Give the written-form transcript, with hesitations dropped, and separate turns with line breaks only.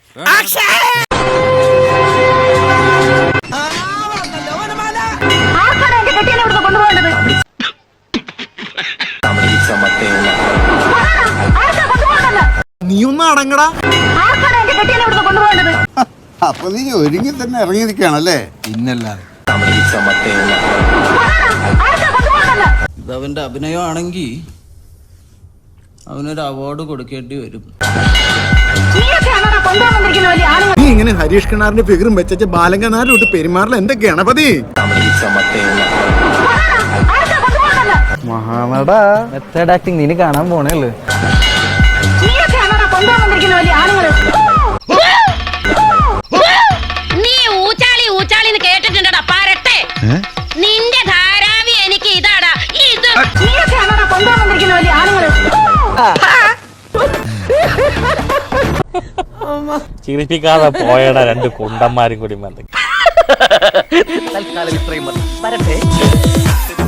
നീ ഒന്ന് അടങ്ങടാ.
അപ്പൊ നീ ഒരുങ്ങി തന്നെ ഇറങ്ങിയിരിക്കുകയാണല്ലേ?
പിന്നല്ലാതെ
ഇതവന്റെ അഭിനയമാണെങ്കിൽ അവനൊരു അവാർഡ് കൊടുക്കേണ്ടി വരും.
നീ ഇങ്ങനെ ഹരീഷ് കിണാറിന്റെ ഫിഗറും വെച്ച ബാലങ്കനാരോട്ട് പെരുമാറില്ല എന്റെ ഗണപതി.
മഹാനട മെത്തേഡ് ആക്ടിങ് നീ കാണാൻ പോണേള്ളു.
നീ ഊച്ചാളി ഊച്ചാളിന്ന് കേട്ടിട്ടുണ്ടടാ പാരട്ടെ. നിന്റെ ധാരാവി എനിക്ക് ഇതാടാ ഇത്.
ചിരിപ്പിക്കാതെ പോയടാ രണ്ട് കുണ്ടന്മാരും കൂടി.
തൽക്കാലം ഇത്രയും മതി. വരട്ടെ.